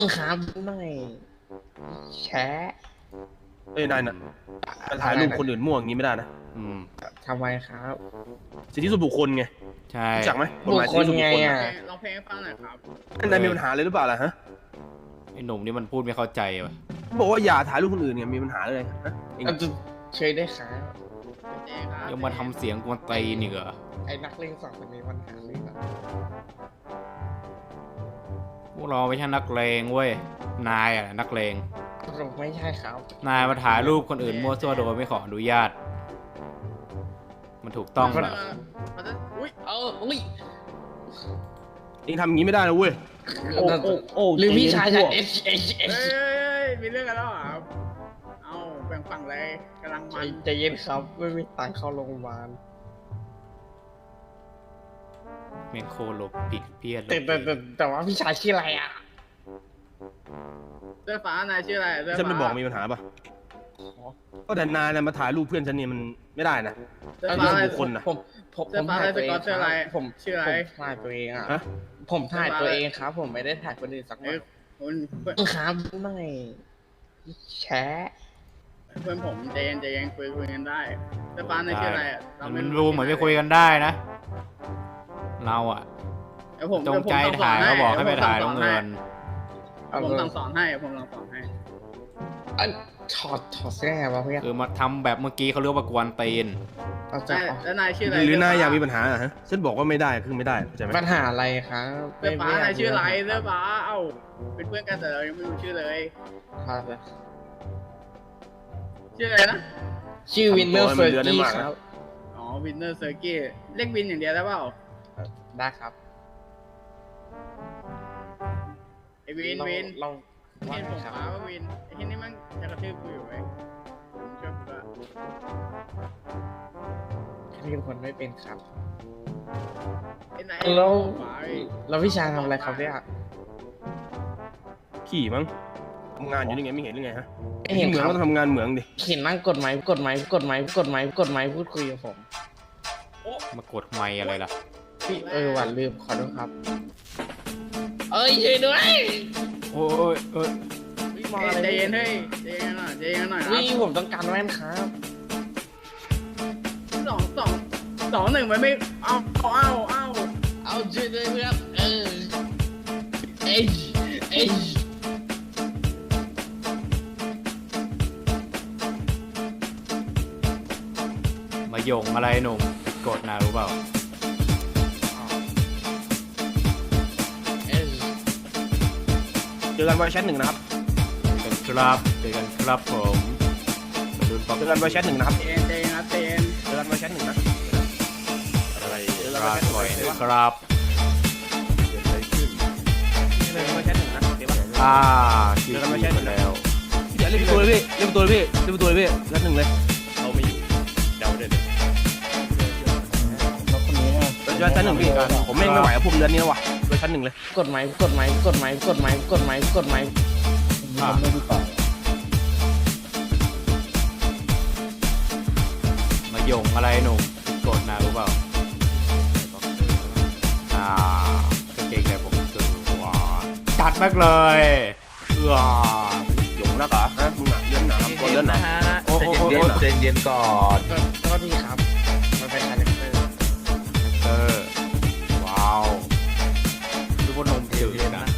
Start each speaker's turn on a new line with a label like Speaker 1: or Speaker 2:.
Speaker 1: ครับหน่อยแชะ
Speaker 2: เอ้ยนายน่ะมาถ่ายรูปคนอื่นมั่วอย่างนี้ไม่ได้นะ
Speaker 1: ทำไมครับ
Speaker 2: สิทธิส่วนบุคคลไง
Speaker 3: ใช่
Speaker 2: รู้จักไหมกฎ
Speaker 1: บุ
Speaker 2: ห
Speaker 1: ค
Speaker 2: มาย
Speaker 1: ค
Speaker 2: สิท
Speaker 1: ล
Speaker 2: ธิส่วนบุ
Speaker 1: ไง
Speaker 2: คคล
Speaker 1: อ่ะ
Speaker 4: ร้องเพลงให้ฟังหน่อยครับ
Speaker 2: นายมีปัญหาเลยหรือเปล่าล่ะฮะ
Speaker 3: ไอ้หนุ่มนี่มันพูดไม่เข้าใจว่ะ
Speaker 2: บอกว่าอย่าถ่ายรูปคนอื่นไงมีปัญหาเลยฮะเอง
Speaker 1: เอาจะเชยได้ครับ
Speaker 4: เจ๊ครับ
Speaker 3: ยังมาทำเสียงกวนตีนอีกเหรอ
Speaker 1: ไอ้นักเลงสองคนนี้มันหาเรื่องอะ
Speaker 3: พวกเราไม่ใช่นักเลงเว้ยนายอะนักเลง
Speaker 1: เราไม่ใช่ครับ
Speaker 3: นายมาถ่ายรูปคนอื่นมั่วซั่วโดยไม่ขออนุญาต มันถูกต้องเหรอ
Speaker 4: มันจะอุ้ย
Speaker 1: อุ้ย
Speaker 2: เองทำอย่างนี้ไม่ได้นะเว้ยโอ้
Speaker 1: หรือพี่ชายจะ
Speaker 2: เ
Speaker 1: H H
Speaker 4: เฮ้
Speaker 1: H
Speaker 4: ยมีเรื่องกันแล้วเหรอครับเอาแบ่งฝั่งเลยกำลังมัน
Speaker 1: ใจเย็นครับไม่มีตังค์เข้าโรงพยาบาล
Speaker 3: เมนโคโลปิดเพี้ยน
Speaker 1: แต่ว่าพี่ชายชื่ออะไรอ่ะ
Speaker 4: เสื้อฟ้านายชื่ออะไรเสื้อ
Speaker 2: ฉันไม่
Speaker 4: ฟ้า
Speaker 2: บอกมีปัญหาป่ะก็แต่นายนะมาถ่ายรูปเพื่อนฉันเนี่ยมันไม่ได้นะ
Speaker 4: เสื้อ
Speaker 2: เอา
Speaker 4: ฟ้า
Speaker 2: เรื่
Speaker 4: อะไร
Speaker 2: องบุคคลน่ะ
Speaker 1: ผม
Speaker 4: เสื้อฟ้า
Speaker 1: ถ่ายตัวเอง
Speaker 4: เสื้ออะไร
Speaker 1: ผม
Speaker 4: ชื่ออะไร
Speaker 1: ผมถ่ายตัวเองอ่ะ
Speaker 2: ฮะ
Speaker 1: ผมถ่ายตัวเองครับ ผมไม่ได้ถ่ายคนอื่นสักหน่
Speaker 4: เอ้
Speaker 1: อย ย
Speaker 4: คุณ
Speaker 1: ครับหน่อยแชะ
Speaker 4: เพื่อนผมใจเย็นคุยกันได้เสื้อฟ้านายชื่ออะไรเรา
Speaker 3: มันดูเหมือนไม่คุยกันได้นะ เราอะ
Speaker 4: เดี๋ยวผม
Speaker 3: จงใจถ่ายก็บอกให้ไปถ่ายน้องเงิน
Speaker 4: ผมสั่งสอนให้ผมสั่งสอนให้
Speaker 1: ถอดเสื้อไงวะเพื่อน
Speaker 3: คือมาทำแบบเมื่อกี้เขาเรียกว่ากวนตีน
Speaker 1: เอาจะเอา
Speaker 4: แล้วนายชื่ออะไร
Speaker 2: หรือนายอยากมีปัญหาอะฮะฉันบอกว่าไม่ได้คือไม่ได้เข้าใจไหม
Speaker 1: ปัญหาอะไรครับ
Speaker 4: เสื้อฟ้านายชื่ออะไรเสื้อฟ้าเอ้าเป็นเพื่อนกันแต่เรายังไม่รู้ชื่อเลย
Speaker 1: ครับ
Speaker 4: ชื่ออะไรนะ
Speaker 1: ชื่อวินเนอร์เฟอร์กี้ครับ
Speaker 4: อ๋อวินเนอร์เซอร์กี้เรียกวินอย่างเดียวได้เปล่า
Speaker 1: ได้ครับ
Speaker 4: ไอวิน
Speaker 1: เราว่า
Speaker 4: เห็น
Speaker 1: ไง
Speaker 4: ผม
Speaker 1: ครับ
Speaker 4: ฟ้าว่าวินไอที่นี่มันจะกระทืบกูอยู่ไหมผมช่วยกูด้วย
Speaker 1: เรียนคนไม่เป็นครับ
Speaker 4: ไอ้ไหน
Speaker 1: แล้ว
Speaker 4: ฟ้า
Speaker 1: แล้วพี่ชายทำอะไรครับเนี่ย
Speaker 2: ขี่มั้งทำงานอยู่นี่ไงไม่เห็นหรือไงฮะ
Speaker 1: ไม่เห็น
Speaker 2: เหมื
Speaker 1: ค
Speaker 2: อง
Speaker 1: รับ
Speaker 2: ก็ต้องทำงานเหมืองดิ
Speaker 1: เห็นนั่งกดไม้พูดคุยกับผม
Speaker 3: มากดไมค์อะไรล่ะ
Speaker 1: พี่หวานลืมขอโทษครับ เอ้ยช่วยด้วย
Speaker 3: โอ้ยเอ้ย
Speaker 1: มองอะไร
Speaker 4: ใจเย็นเฮ้ยใจเย็นหน่อยใจเย็นหน่อยนะ
Speaker 1: วิ่งผมต้องการแว่นครับ
Speaker 4: สองหนึ่งมันไม่เอา
Speaker 1: ช่วยด้วยเพื่อนเอ้ย
Speaker 3: มาหยงอะไรหนุ่มผิดกฎนะรู้เปล่า
Speaker 2: เจอกันวันแชทหนึ่งนะครับ
Speaker 3: เจอกันครับผมรุ่นป
Speaker 2: เจอกันวันแชทหนึ่งนะครับ
Speaker 4: ใจเย็นครับใจเย็น
Speaker 2: เจอกันวันแชทหนึ่งนะอะไรเจอกัน
Speaker 3: ค
Speaker 2: วัน
Speaker 3: รับ
Speaker 2: แชทห
Speaker 3: ปล่
Speaker 2: นึ่
Speaker 3: อย
Speaker 2: ง
Speaker 3: เลย
Speaker 2: วะ
Speaker 3: ครับ
Speaker 2: เจอกันวันแชทหนึ่งนะโอเคปะ
Speaker 3: คิวไปแล้ว
Speaker 2: อย่าเล่นตัวเลยพี่เล่นตัวเลยพี่เล่นตัวเลยพี่แชทหนึ่งเลย
Speaker 5: เขาไม่อยู่เดาได้เลย
Speaker 1: แล้วคนนี้
Speaker 2: เจอชั้นหนึ่งพี่ผมไม่ไหวกับผมเดือนนี้แล้ววะเจอชั้นหนึ่งเลย
Speaker 1: กดไม้
Speaker 3: มาหยงอะไรหนุ่มผิดกฎนะรู้เปล่า กางเกงในผมคือว้าจัดมากเลยว้า
Speaker 2: หยงแล้วเหรอฮะมึงอ่ะเลื่อนหนาครับตัวเลื่อนหนา
Speaker 3: โอ้โห
Speaker 5: เย็นก่อน
Speaker 1: ก็ดีครับ มันเป็นคาแรคเตอร์
Speaker 3: ว้าวดูว่านมจืดนะ